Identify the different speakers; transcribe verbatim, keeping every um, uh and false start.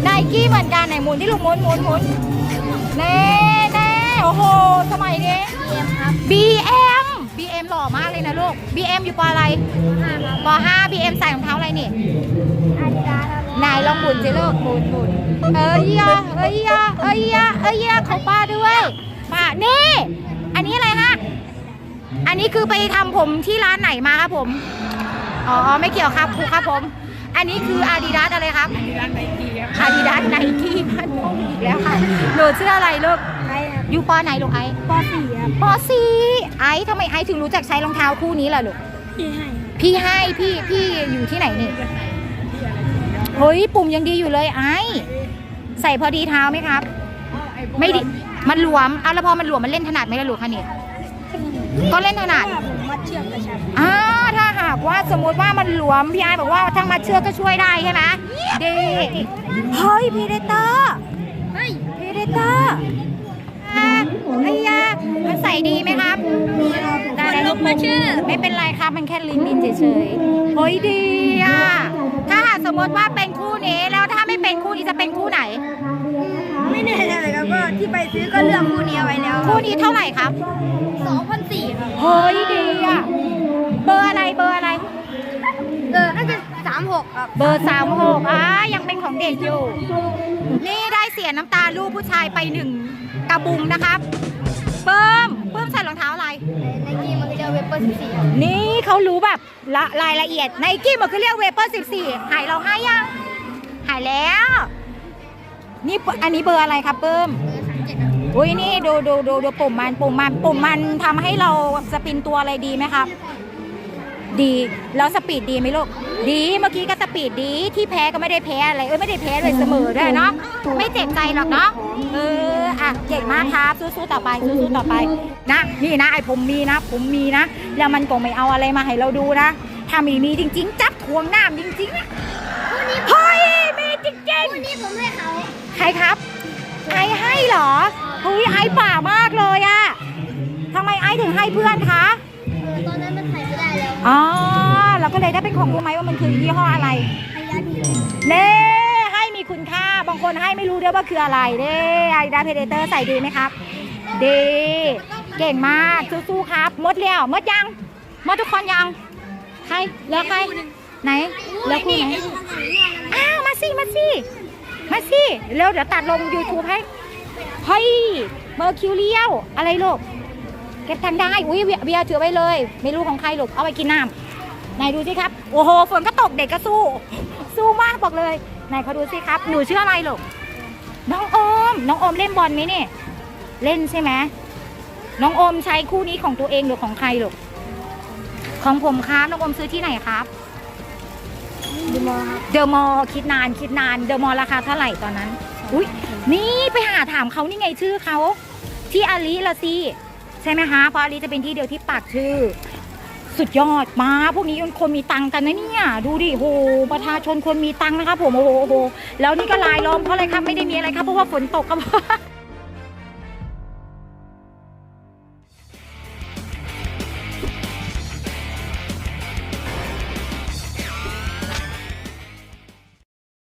Speaker 1: ไนกี้เหมือนกันไหนหมุนที่ลูกหมุนหมุนหมุนเน่เน่โอ้โหสมัยนี้ บี เอ็ม บี เอ็ม หล่อมากเลยนะลูก บี เอ็ม อยู่ปออะไรปอห้า บี เอ็ม ใส่รองเท้าอะไรนี่นายลองหมุนสิลูกหมุนหมุนเอ้ยยะเอ้ยยะเอ้ยยะเอ้ยยะของป้าด้วยป้านี่อันนี้อะไรฮะอันนี้คือไปทำผมที่ร้านไหนมาครับผมอ๋อไม่เกี่ยวครับครูครับผมอันนี้คืออาดิดาสอะไรครับอาดิดาสไนกี้ครับอาดิดาสไนกี้พันโมงอีกแล้วค่ะหนูชื่ออะไรลูกอยู่ปอไหนลูกไอปอสี่ครับปอสี่ไอทำไมไอถึงรู้จักใช้รองเท้าคู่นี้ล่ะลูกพี่ให้พี่ให้พี่พี่อยู่ที่ไหนนี่เฮ้ยปุ่มยังดีอยู่เลยไอใส่พอดีเท้าไหมครับไม่ดีมันหลวมเอาแล้วพอมันหลวมมันเล่นถนัดไหมล่ะลูกคะนี่ก็เล่นถนัดอ่าถ้าหากว่าสมมติว่ามันหลวมพี่ไอบอกว่าทั้งมัดเชือกก็ช่วยได้ใช่ไหมดีเฮ้ยพีเดเตอร์เฮ้ยพีเดเตอร์ไอ้ยามันใส่ดีไหมครับได้แล้วลูกมาชื่อไม่เป็นไรครับมันแค่ลิ้นลิ้นเฉยๆเฮ้ยดีอ่ะถ้าหากสมมติว่าเป็นคู่นี้แล้วถ้าไม่เป็นคู่นี้จะเป็นคู่ไหน
Speaker 2: ไม่แน่ใจเลยครับก็ที่ไปซื้อก็เลือกคู่นี้เอาไว้แล้ว
Speaker 1: คู่นี้เท่าไหร่ครับ
Speaker 2: สองพันสี่ครับ
Speaker 1: เฮ้ยดีอ่ะเบอร์อะไรเบอร์อะไร
Speaker 2: เออน่าจะสามหกครับ
Speaker 1: เบอร์สามหกอ่ะยังเป็นของเด็กอยู่นี่ได้เสียน้ำตาลูกผู้ชายไปหนึ่งกระบุงนะครับเพิ่มเพิ่มใส่รองเท้าอะไร
Speaker 2: ไนกี้มันก็จะเวเปอร์สิบสี่
Speaker 1: นี่เขารู้แบบละรายละเอียดไนกี้มันคือเรียกเวเปอร์สิบสี่หายเราให้ยังหายแล้วนี่อันนี้เบอร์อะไรครับเพิ่มอุ้ยนี่ดูดูดูดูปุ่มมันปุ่มมันปุ่มมันทำให้เราสปินตัวอะไรดีไหมครับดีแล้วสปีดดีไหมลูกดีเมื่อกี้ก็สปีดดีที่แพ้ก็ไม่ได้แพ้อะไรเอ้ยไม่ได้แพ้เลยเสมอด้วยเนาะไม่เจ็บใจหรอกเนาะเอออ่ะเก่งมากครับสู้ๆต่อไปสู้ๆต่อไปนะนี่นะไอผมมีนะผมมีนะแล้วมันก็ไม่เอาอะไรมาให้เราดูนะถ้ามีมีจริงๆจับทวงน้ำจริงๆนะเฮ้ยมีจริงๆ
Speaker 2: คู่นี้ผมให้เขา
Speaker 1: ใครครับไอให้เหรอเฮ้ยไอป่ามากเลยอะทำไมไอถึงให้เพื่อนคะ
Speaker 2: ตอนนั้นมันถ่ายไม่ได้แล้ว
Speaker 1: อ๋อเราก็เลยได้เป็นของรู้ไหมว่ามันคือยี่ห้ออะไรเน่ให้มีคุณค่าบางคนให้ไม่รู้ด้วยว่าคืออะไรเน่ไอดาเพเดเตอร์ใส่ดีไหมครับดีเก่งมากสู้ๆครับมดเลี้ยวมดยังมดทุกคนยังใครแล้วใครไหนแล้วคู่ไหนอ้าวมาสิมาสิมาสิเร็วเดี๋ยวตัดลง ยูทูบ ให้เฮ้ยเมอร์คิวเรียลอะไรลูกเก็บทันได้อุ้ยเบียร์ถือไว้เลยไม่รู้ของใครลูกเอาไปกินน้ำไหนดูสิครับโอ้โหฝนก็ตกเด็กก็สู้สู้มากบอกเลยไหนเขาดูสิครับหนูชื่ออะไรลูกน้องโอมน้องโอมเล่นบอลไหมเนี่ยเล่นใช่ไหมน้องโอมใช้คู่นี้ของตัวเองหรือของใครลูกของผมครับน้องโอมซื้อที่ไหนครับ
Speaker 2: เดอะมอลล์
Speaker 1: เดอะมอลล์คิดนานคิดนานเดอะมอลล์ราคาเท่าไหร่ตอนนั้นอุ้ยนี่ไปหาถามเขานี่ไงชื่อเขาที่อาลีละสิใช่ไหมคะเพราะอาลีจะเป็นที่เดียวที่ปักชื่อสุดยอดมาพวกนี้คนมีตังกันนะเนี่ยดูดิโหประชาชนคนมีตังนะครับผมโอ้โหแล้วนี่ก็ลายล้อมเพราะอะไรครับไม่ได้มีอะไรครับเพราะว่าฝนตกครับ